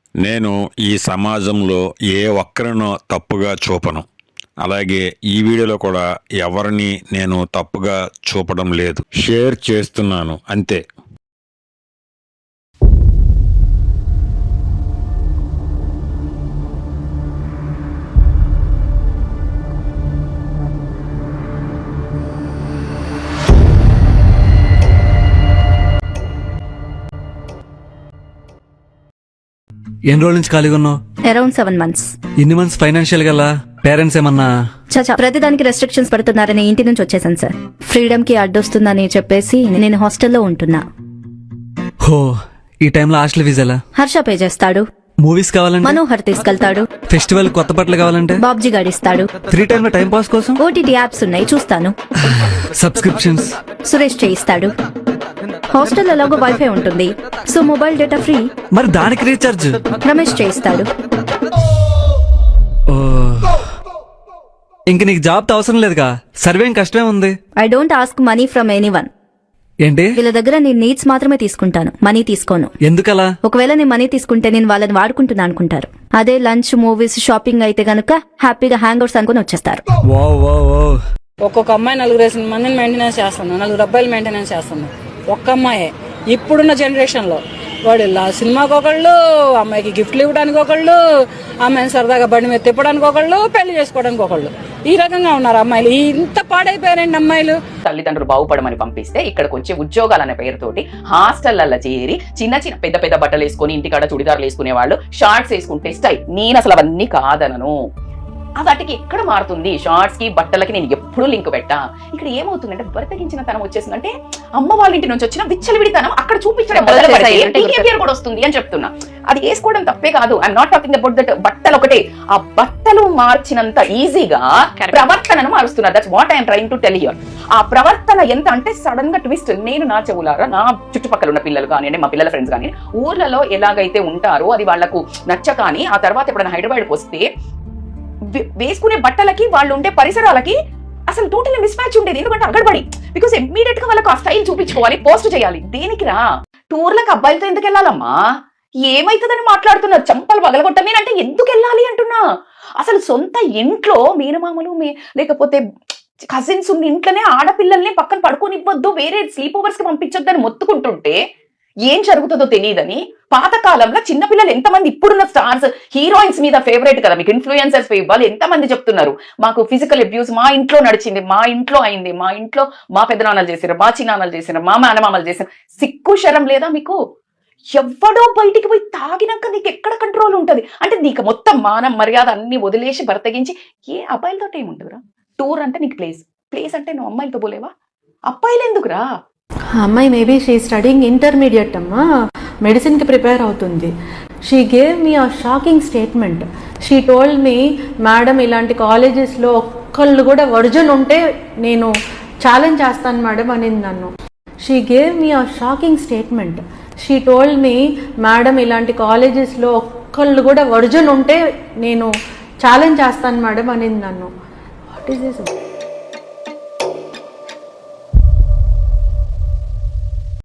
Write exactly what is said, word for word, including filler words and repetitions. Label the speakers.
Speaker 1: నేను ఈ సమాజంలో ఏ ఒక్కరినో తప్పుగా చూపను. అలాగే ఈ వీడియోలో కూడా ఎవరిని నేను తప్పుగా చూపడం లేదు. షేర్ చేస్తున్నాను అంతే.
Speaker 2: ఎన్ని రోజుల నుంచి ఖాళీగా ఉన్నావు?
Speaker 3: Around seven months.
Speaker 2: ఇన్ని మంత్స్ ఫైనాన్షియల్ గా పేరెంట్స్ ఏమన్నా?
Speaker 3: చచా ప్రతిదానికి రెస్ట్రిక్షన్స్ పెడుతున్నారని ఇంటి నుంచి వచ్చేసాను సార్. ఫ్రీడమ్ కి అడ్డొస్తుందని చెప్పేసి నేను హాస్టల్లో ఉంటున్నా.
Speaker 2: హో, ఈ టైంలో హాస్టల్ ఫీజు ఎలా?
Speaker 3: హర్ష పే చేస్తాడు.
Speaker 2: మూవీస్ కావాలంటే
Speaker 3: మనోహర్ తీసుకెళ్తాడు.
Speaker 2: ఫెస్టివల్ కొత్త బట్టలు కావాలంటే
Speaker 3: బాబ్జీ గాడిస్తాడు.
Speaker 2: ఫ్రీ టైమ్ లో టైం పాస్ కోసం
Speaker 3: ఓటీటీ యాప్స్ ఉన్నాయి, చూస్తాను.
Speaker 2: సబ్స్క్రిప్షన్స్
Speaker 3: సురేష్ చేయిస్తాడు. హాస్టల్ ఎలాగో వైఫై ఉంటుంది, సో మొబైల్ డేటా ఫ్రీ.
Speaker 2: మరి దానికి రీఛార్జ్
Speaker 3: రమేష్ చేయిస్తాడు.
Speaker 2: ఇంక నీకు జాబ్ తో అవసరం లేదుగా, సర్వేం కష్టమే ఉంది.
Speaker 3: I don't ask money from anyone.
Speaker 2: ఏంటి?
Speaker 3: వీళ్ళ దగ్గర నేను నీడ్స్ మాత్రమే తీసుకుంటాను, మనీ తీసుకోను.
Speaker 2: ఎందుకలా?
Speaker 3: ఒకవేళ నేను మనీ తీసుకుంటే నేను వాళ్ళని వాడుకుంటున్నా అనుకుంటారు. అదే లంచ్, మూవీస్, షాపింగ్ అయితే గనుక హ్యాపీగా హ్యాంగ్ అవుట్స్ అనుకుని వచ్చేస్తారు.
Speaker 4: ఒక్కొక్క అమ్మాయి నలుగురు వేసిన మందిని మెయింటెనెన్స్ చేస్తున్నాను, నలుగురు అబ్బాయిలు మెయింటెనెన్స్ చేస్తున్నాను. ఒక్క అమ్మాయే ఇప్పుడున్న జనరేషన్లో. వాడు సినిమాకి ఒకళ్ళు, అమ్మాయికి గిఫ్ట్లు ఇవ్వడానికి ఒకళ్ళు, అమ్మాయిని సరదాగా బండి మీద తిప్పడానికి ఒకళ్ళు, పెళ్లి చేసుకోవడానికి ఒకళ్ళు. ఈ రకంగా ఉన్నారు అమ్మాయిలు. ఇంత పాడైపోయారండి అమ్మాయిలు.
Speaker 5: తల్లిదండ్రులు బాగుపడమని పంపిస్తే ఇక్కడికి వచ్చే ఉద్యోగాలు అనే పేరుతోటి హాస్టళ్లలో చేరి చిన్న చిన్న పెద్ద పెద్ద బట్టలు వేసుకుని ఇంటికాడ చుడిదారులు వేసుకునే వాళ్ళు, షార్ట్స్ వేసుకుంటే స్టైల్. నేను అసలు అవన్నీ కాదనను. వాటికి ఎక్కడ మారుతుంది? షార్ట్స్ కి బట్టలకి నేను ఎప్పుడు లింక్ పెట్టా. ఇక్కడ ఏమవుతుందంటే బరితగించిన తనం వచ్చేసిందంటే అమ్మ వాళ్ళ ఇంటి నుంచి వచ్చిన విచ్చలవిడితనం అక్కడ చూపించడం బిహేవియర్ కూడా వస్తుంది అని చెప్తున్నా. అది వేసుకోవడం తప్పే కాదు. I'm not talking about that. బట్టలు ఒకటే, ఆ బట్టలు మార్చినంత ఈజీగా ప్రవర్తనను మారుస్తున్నారు. That's what I'm trying to tell here. ఆ ప్రవర్తన ఎంత అంటే సడన్ గా ట్విస్ట్. నేను నా చెవులారా, నా చుట్టుపక్కల ఉన్న పిల్లలు కానివ్వండి, మా పిల్లల ఫ్రెండ్స్ కానీ ఊర్లలో ఎలాగైతే ఉంటారో అది వాళ్లకు నచ్చ కానీ ఆ తర్వాత ఎప్పుడైనా హైదరాబాద్కి వస్తే వేసుకునే బట్టలకి వాళ్ళు ఉండే పరిసరాలకి అసలు టోటల్ మిస్ మ్యాచ్ ఉండేది. ఎందుకంటే అగడబడి, బికాస్ ఇమ్మీడియట్ గా వాళ్ళకి ఆ స్టైల్ చూపించుకోవాలి, పోస్ట్ చేయాలి. దేనికి రా? టూర్లకు అబ్బాయిలతో ఎందుకు వెళ్ళాలమ్మా? ఏమైతుందని మాట్లాడుతున్నారు. చంపలు పగలగొట్ట మీనంటే ఎందుకు వెళ్ళాలి అంటున్నా. అసలు సొంత ఇంట్లో మీనమామలు లేకపోతే కజిన్స్ ఉన్న ఇంట్లోనే ఆడపిల్లల్ని పక్కన పడుకోనివ్వద్దు, వేరే స్లీప్ ఓవర్స్ కి పంపించొద్దని మొత్తుకుంటుంటే ఏం జరుగుతుందో తెలియదని. పాతకాలంలో చిన్నపిల్లలు ఎంతమంది, ఇప్పుడున్న స్టార్స్ హీరోయిన్స్ మీద ఫేవరెట్ కదా, మీకు ఇన్ఫ్లుయెన్సర్స్ వాళ్ళు ఎంతమంది చెప్తున్నారు మాకు ఫిజికల్ అబ్యూస్ మా ఇంట్లో నడిచింది, మా ఇంట్లో అయింది, మా ఇంట్లో మా పెద్దనాన్నలు చేశారు, మా చిన్నాన్నలు చేశారు, మా మేనమామలు చేశారు. సిక్కు శరం లేదా మీకు? ఎవడో బయటికి పోయి తాగినాక నీకు ఎక్కడ కంట్రోల్ ఉంటుంది? అంటే నీకు మొత్తం మానం మర్యాద అన్ని వదిలేసి బరతగించి ఏ అబ్బాయిలతో ఏముంటుందిరా? టూర్ అంటే నీకు ప్లేస్, ప్లేస్ అంటే నువ్వు అమ్మాయిలతో పోలేవా? అబ్బాయిలు ఎందుకురా?
Speaker 6: అమ్మాయి మేబీ షీ స్టడీయింగ్ ఇంటర్మీడియట్ అమ్మా, మెడిసిన్కి ప్రిపేర్ అవుతుంది. She gave me a shocking statement. She told me, madam ఇలాంటి కాలేజెస్లో ఒక్కళ్ళు కూడా వర్జన్ ఉంటే నేను ఛాలెంజ్ చేస్తాను మేడం అనింది నన్ను. She gave me a shocking statement. She told me, madam ఇలాంటి కాలేజెస్లో ఒక్కళ్ళు కూడా వర్జన్ ఉంటే నేను ఛాలెంజ్ చేస్తాను మేడం అనింది నన్ను. What is this?